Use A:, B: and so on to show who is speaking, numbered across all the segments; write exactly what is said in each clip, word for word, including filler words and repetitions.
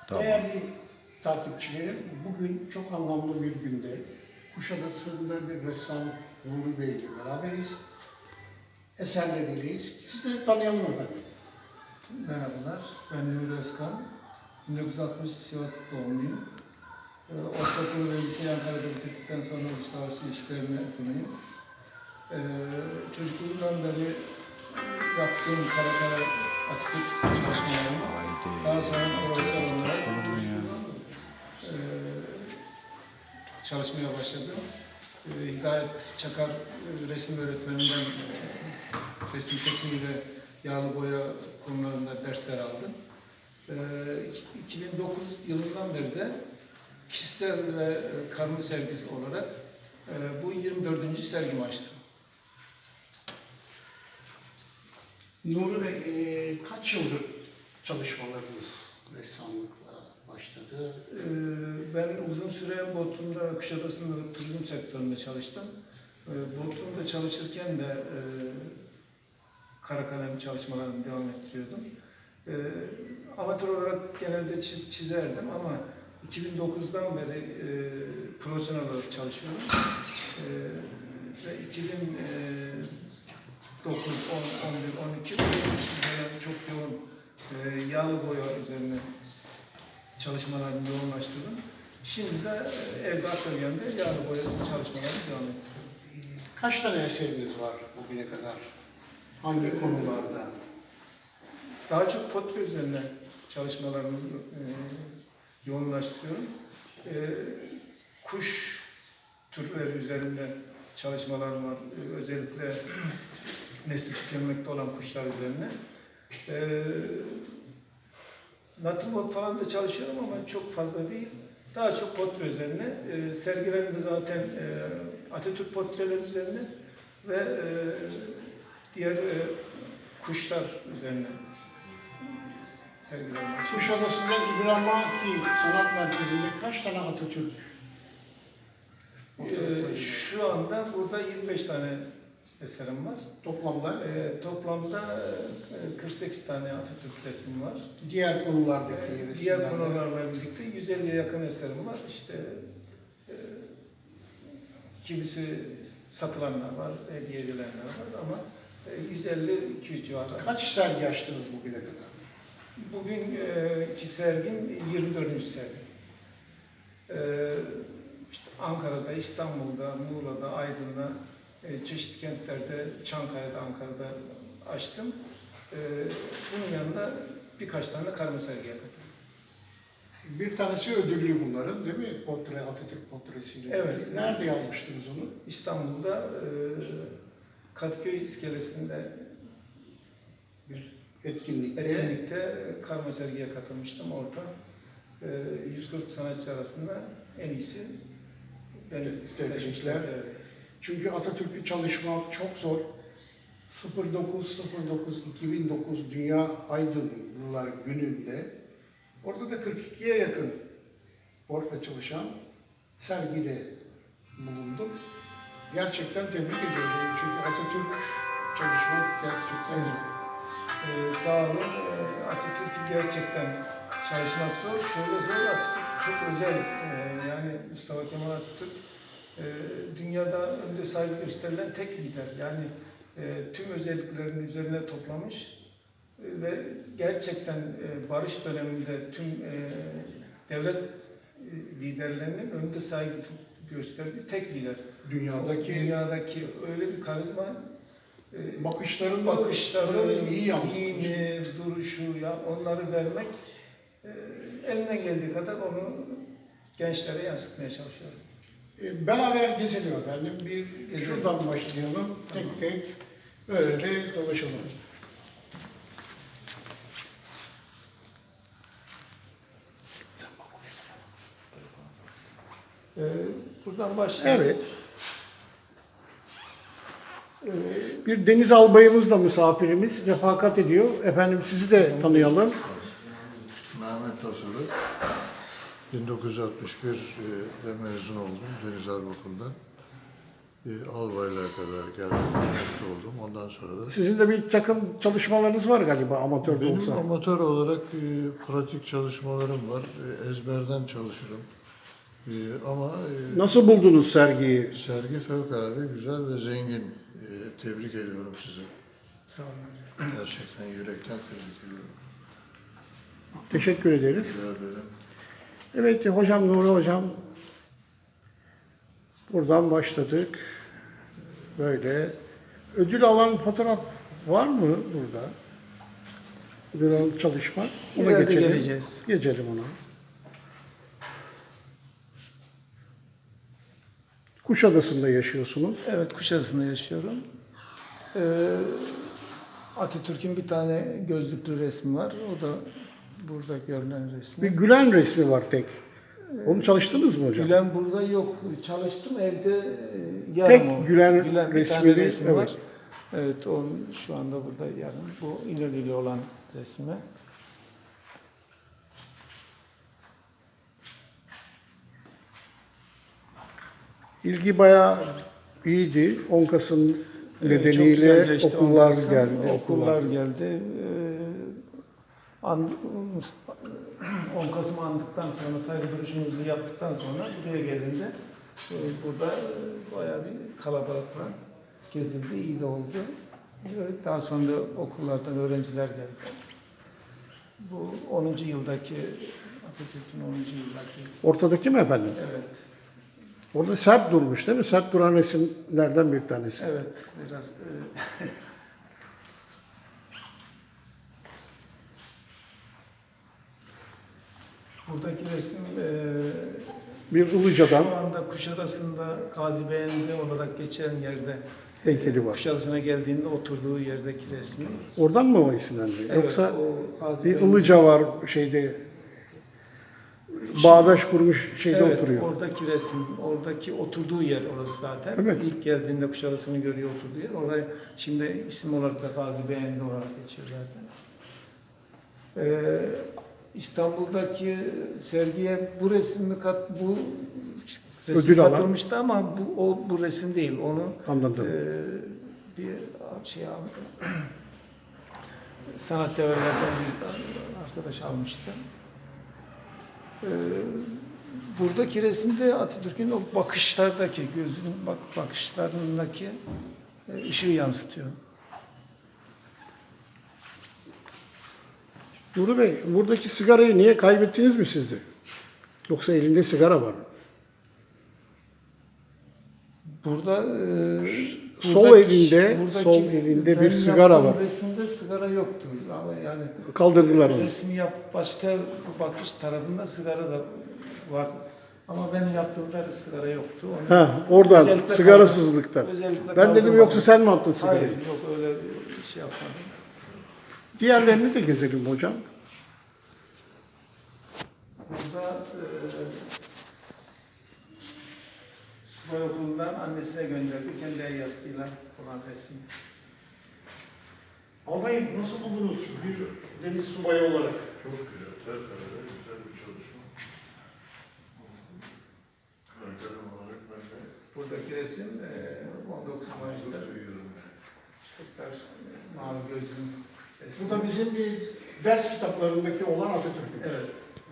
A: Tamam.
B: Değerli takipçilerim, bugün çok anlamlı bir günde Kuşadası'nda bir ressam Nuri Bey ile beraberiz. Eserleriyiz. Sizleri tanıyalım efendim.
C: Merhabalar, ben Nuri Özkan. bin dokuz yüz altmış Sivas doğumluyum. Ee, Ortaokulu ve liseyi Ankara'da bitirdikten sonra uluslararası ilişkilerimi okudum. Ee, çocukluğumdan beri yaptığım kara kara Atatürk çalışmalarımı
A: Haydi.
C: daha sonra profesyonel olarak
A: Olur mu ya?
C: e, çalışmaya başladım. E, Hidayet Çakar e, resim öğretmeninden e, resim tekniği ve yağlı boya konularında dersler aldım. E, iki bin dokuz yılından beri de kişisel ve e, karma sergisi olarak e, bu yirmi dördüncü sergimi açtım.
B: Nuri Bey, e, kaç yıldır çalışmalarınız ressamlıkla başladı?
C: E, ben uzun süre Bodrum'da, Kuşadası'nda turizm sektöründe çalıştım. E, Bodrum'da çalışırken de e, kara kalem çalışmalarımı devam ettiriyordum. E, amatör olarak genelde çiz- çizerdim ama iki bin dokuzdan beri e, profesyonel olarak çalışıyorum. E, ve iki bin dokuz, on, on bir, on iki dönem çok yoğun e, yağlı boya üzerine çalışmalarımı yoğunlaştırdım. Şimdi de e, evde atölyemde yağlı boya çalışmalarımı devam ediyorum.
B: Kaç tane eseriniz var bugüne kadar? Hangi konularda?
C: Daha çok portre üzerine çalışmalarımı e, yoğunlaştırıyorum. E, kuş türleri üzerinde çalışmalarım var. E, özellikle nesli tükenmekte olan kuşlar üzerine. E, Natürmort falan da çalışıyorum ama çok fazla değil. Daha çok portre üzerine. E, sergilerimde zaten e, Atatürk portreleri üzerine ve e, diğer e, kuşlar üzerine sergilerim var.
B: Kuşadası'nda İbrahimaki Sanat Merkezi'nde kaç tane Atatürk fotoğrafları
C: Ee,
B: var?
C: şu anda burada yirmi beş tane eserim var.
B: Toplamda
C: Ee, toplamda e, kırk sekiz tane Atatürk resmi var.
B: diğer konulardaki
C: Ee,
B: resimlerle.
C: diğer konularla birlikte yüz elliye yakın eserim var. İşte e, kimisi satılanlar var, hediye edilenler var ama e, yüz elli iki yüz civarı.
B: Kaç sergi açtınız bugüne kadar?
C: Bugünkü sergim yirmi dördüncü sergi. Ee, işte Ankara'da, İstanbul'da, Muğla'da, Aydın'da, e, çeşitli kentlerde, Çankaya'da, Ankara'da açtım. Ee, bunun yanında birkaç tane karma sergi yaptım.
B: Bir tanesi ödüllü bunların değil mi? Portre, Atatürk portresiyle.
C: Evet.
B: Nerede yazmıştınız onu?
C: İstanbul'da e, Kadıköy iskelesinde
B: Bir etkinlikte.
C: etkinlikte karma sergiye katılmıştım orada. E, yüz kırk sanatçı arasında en iyisi beni
B: Tebrikler.
C: seçmişler. Evet.
B: Çünkü Atatürk'ü çalışmak çok zor. sıfır dokuz sıfır dokuz iki bin dokuz Dünya Aydınlılar Günü'nde orada da kırk ikiye yakın portre çalışan sergide bulundum. Gerçekten tebrik ediyorum. Çünkü Atatürk çalışmak gerçekten zor.
C: Ee, sağ olun. Ee, Atatürk'ü gerçekten çalışmak zor. Şöyle zor, Atatürk çok özel. Ee, yani Mustafa Kemal Atatürk e, dünyada önde saygı gösterilen tek lider. Yani e, tüm özelliklerini üzerine toplamış e, ve gerçekten e, barış döneminde tüm e, devlet e, liderlerinin önde saygı gösterdiği tek lider.
B: Dünyadaki
C: Dünyadaki öyle bir karizma e,
B: bakışlarını,
C: bakışları,
B: iyi yansıtmış.
C: giyimi, duruşu, ya onları vermek e, eline geldiği kadar onu gençlere yansıtmaya çalışıyorum.
B: E, Beraber gezelim efendim. Bir
C: Gezelim.
B: şuradan başlayalım. Tek tek böyle dolaşalım.
C: E, buradan başlayalım.
B: Evet. Ee, Bir deniz albayımız da misafirimiz. Refakat ediyor. Efendim sizi de tanıyalım.
A: Mehmet Tosur'u bin dokuz yüz altmış bir'de mezun oldum Deniz Harp Okulu'ndan. e, albaylığa kadar geldim, emekli oldum. Ondan sonra da
B: Sizin de bir takım çalışmalarınız var galiba amatör de
A: benim
B: olsa.
A: amatör olarak e, pratik çalışmalarım var. E, ezberden çalışırım. E, ama e,
B: Nasıl buldunuz sergiyi?
A: sergi fevkalade güzel ve zengin. E, tebrik ediyorum sizi.
C: Sağ olun hocam.
A: Gerçekten yürekten tebrik ediyorum.
B: Teşekkür ederiz.
A: Rica ederim.
B: Evet hocam, Nuri hocam, buradan başladık. Böyle ödül alan fotoğraf var mı burada? Ödül alan çalışma. Ona
C: İleride
B: geçelim.
C: geleceğiz.
B: Geçelim ona. Kuşadası'nda yaşıyorsunuz.
C: Evet, Kuşadası'nda yaşıyorum. Ee, Atatürk'ün bir tane gözlüklü resmi var. O da burada görülen
B: Bir
C: resmi.
B: Gülen resmi var tek. Onu çalıştınız mı hocam?
C: Gülen burada yok. Çalıştım evde e, yarım
B: Tek
C: o.
B: Gülen
C: bir tane
B: resmini,
C: resmi var.
B: evet.
C: Evet, onun şu anda burada yarım. Bu İnönü'lü olan resmi.
B: İlgi bayağı iyiydi. on Kasım
C: Evet, çok
B: nedeniyle
C: güzel geçti.
B: okullar
C: Ondan sonra
B: geldi.
C: Okullar geldi. Ee, an, on Kasım andıktan sonra, saygı duruşumuzu yaptıktan sonra buraya gelince e, burada e, bayağı bir kalabalıkla gezildi, iyi de oldu. Evet, daha sonra da okullardan öğrenciler geldi. Bu onuncu yıldaki, Atatürk'ün onuncu yıldaki,
B: Ortadaki mi efendim?
C: evet,
B: Orada sert durmuş değil mi? Sert duran resimlerden bir tanesi.
C: evet, biraz e, buradaki resim e,
B: Bir Ilıca'dan
C: şu anda Kuşadası'nda Gazi Beğendi olarak geçen yerde
B: heykeli var.
C: Kuşadası'na geldiğinde oturduğu yerdeki resmi.
B: Oradan mı o isimlendi?
C: Evet,
B: Yoksa
C: o Gazi
B: bir
C: Beğendi-
B: Ilıca var şeyde, bağdaş kurmuş şeyde
C: evet,
B: oturuyor.
C: oradaki resim, oradaki oturduğu yer orası zaten.
B: Değil mi?
C: İlk geldiğinde Kuşadası'nı görüyor oturduğu yer. Oraya şimdi isim olarak da Gazi Beğendi olarak geçiyor zaten. Ee, İstanbul'daki sergiye bu resmi kat bu resim
B: Ödül alan.
C: katılmıştı ama bu o bu resim değil. Onu
B: Anladım.
C: e, bir şey sanatseverlerden bir arkadaş almıştı. Ee, buradaki resimde Atatürk'ün o bakışlardaki, gözünün bak bakışlarındaki e, ışığı yansıtıyor.
B: Nuri Bey, buradaki sigarayı niye kaybettiniz mi siz de? Yoksa elinde sigara var.
C: Burada e,
B: Sol
C: buradaki-
B: elinde,
C: buradaki-
B: sol elinde bir
C: benim
B: sigara
C: yaptığım
B: var.
C: Resimde sigara yoktu. Ama yani
B: Kaldırdılar onu.
C: resmi yap başka bakış tarafında sigara da var. Ama benim yaptığımda sigara yoktu. Onu
B: Ha, oradan,
C: özellikle
B: sigarasızlıktan.
C: kaldır- özellikle
B: Ben dedim
C: kaldırmadım.
B: yoksa sen mi attın sigarayı?
C: Hayır, yok öyle bir şey yapmadım.
B: Diğerlerini de gezelim hocam.
C: Burada e, subay okulundan annesine gönderdi. Kendi el yazısıyla olan resmi.
B: Albayım nasıl buldunuz bir deniz subayı olarak?
A: Çok güzel, fevkalade güzel bir çalışma. Arkadaşım olarak ben de
C: Buradaki resim e, on dokuz Mayıs'ta
A: çok duyuyorum.
C: Türkler mavi gözlüm resmi.
B: Bu da bizim bir ders kitaplarındaki olan Atatürk'ün.
C: Evet.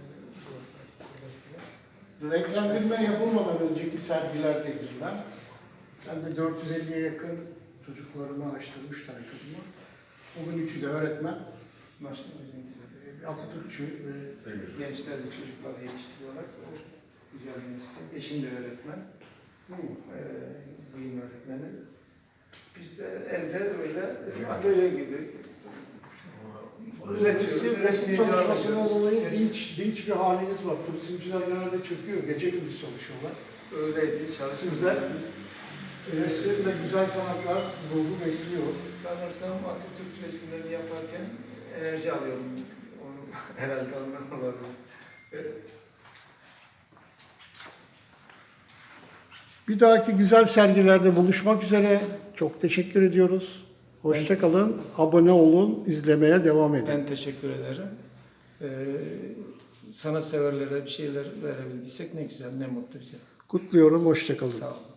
B: Renklendirme yapılmadan önceki sergilerdeydim ben. Ben de dört yüz elliye yakın çocuklarımı açtım, üç tane kızımı. Bugün üçü de öğretmen.
C: Maşallah ne güzel.
B: e, Atatürkçü ve
A: Ne güzel.
C: Gençler ve çocukları yetiştiriyorlar. O güzel bir meslek. Eşim de öğretmen. Ee, bölüm öğretmeni. Biz de evde öyle atölye gibi üretiyoruz.
B: resim, resim
C: Resmi
B: çalışmasından
C: yapıyoruz.
B: dolayı
C: Resim-
B: dinç, dinç bir haliniz var. Turizmciler genelde çöküyor, gece gündüz çalışıyorlar.
C: Öyleydi. Çalışıyoruz.
B: Sizler resim ve güzel sanatlar ruhu besliyor.
C: Sanırsam Atatürk resimlerini yaparken enerji alıyorum. Onu herhalde ondan olabilir. Evet.
B: Bir dahaki güzel sergilerde buluşmak üzere. Çok teşekkür ediyoruz. Hoşça kalın, abone olun, izlemeye devam edin.
C: Ben teşekkür ederim. Ee, sanatseverlere bir şeyler verebildiysek ne güzel, ne mutlu bize.
B: Kutluyorum, hoşça kalın.
C: Sağ olun.